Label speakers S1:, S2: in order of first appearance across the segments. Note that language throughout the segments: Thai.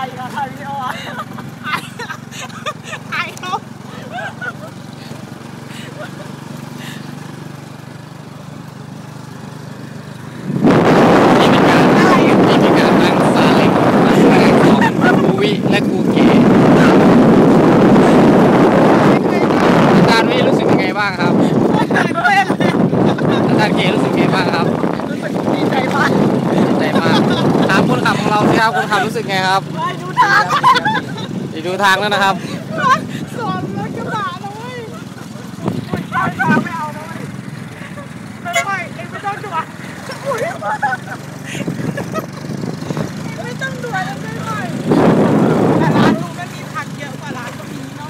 S1: ายกับถ่ายวิดีโอไอ้เขา
S2: และครูเก๋อาจารย์วิรู้สึกยังไงบ้างครับอาจารย์เก๋รู้สึกยังไงบ้างครับ
S1: รู้สึกดีใจมาก
S2: ดีใจมากถามคนขับของเราสิครับคนขับรู้สึกไงครับ
S1: ดูทาง
S2: ดูทางแล้วนะครับ
S1: สอนรถกระบะนะเว้ยทางไม่เอานะเว้ยไม่เองไม่ต้องด่วนไม่ต้องด่วนแล้วไม่ไหวแต่ร้านลุงก็มีผักเยอะกว่าร้านตรงนี้เนาะ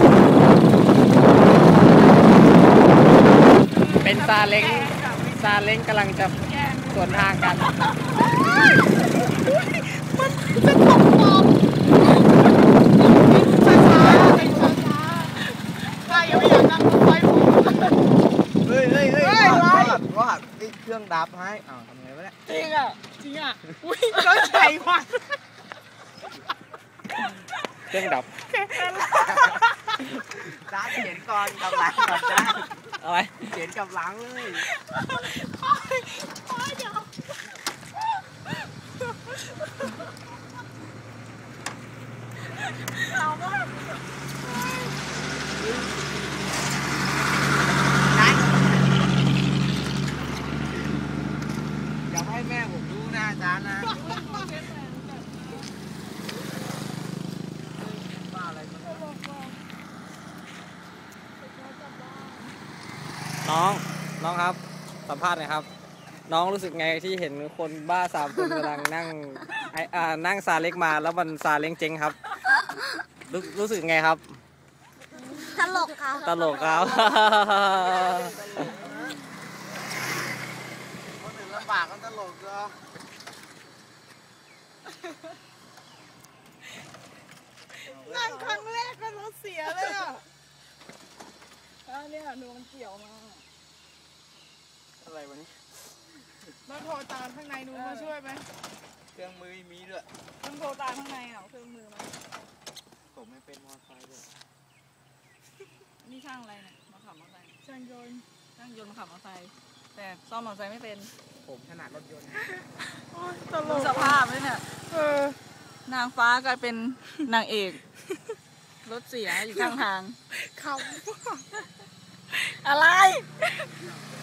S2: เป็นซาเล้งกำลังจะสวนทางกัน
S1: มันจะตกปอบช้าใครยังไม่อยากนั่งรถไฟผม
S3: เฮ้ยรอดเครื่องดับให้อ้าวทำไงวะเนี่ย
S1: จริงอ่ะอุ้ยรถใหญ่มาก
S2: เครื่องดับ
S3: จ้าเขียนก่อนกับหลังก่อนจ้า
S2: อะไร
S3: เขียนกับหลังเลย
S1: เดี๋ยวเอามาก
S3: อย่าให้แม่ผมรู้นะอาจารย์นะบ้าอะไร
S2: น้องครับสัมภาษณ์หน่อยครับน้องรู้สึกไงที่เห็นคนบ้า3 คนกำลังนั่งซาเล้งมาแล้วมันซาเล้งเจ๊งครับรู้สึกไงครับ
S1: ตลกครับ
S3: คนอื่นลำบากกันตลกเหรอ
S1: นั่งครั้งแรกก็รถเสียเลยอ่ะเนี่ยดูมันเกี่ยวมา
S3: อะไรวะนี่
S1: แล้วโทรตามข้างในนู้นมาช่วยไหม
S3: เครื่องมือมีด้วย
S1: ต้องโทรตามข้างในเครื่องมือมา
S3: ผมไม่เป็นมอเตอร์ไซค์ด้วย
S1: นี่ช่างอะไรเนี่ยมาขับมอเตอร์ไซค์ช่างยนต์มาขับมอเตอร์ไซค์แต่ซ่อมมอเตอร์ไซค์ไม่เป็น
S3: ผมถนัดรถยนต์
S1: ตลกสภาพเลยเนี่ยนางฟ้ากลายเป็นนางเอกรถเสียอยู่ข้างทางเขาอะไร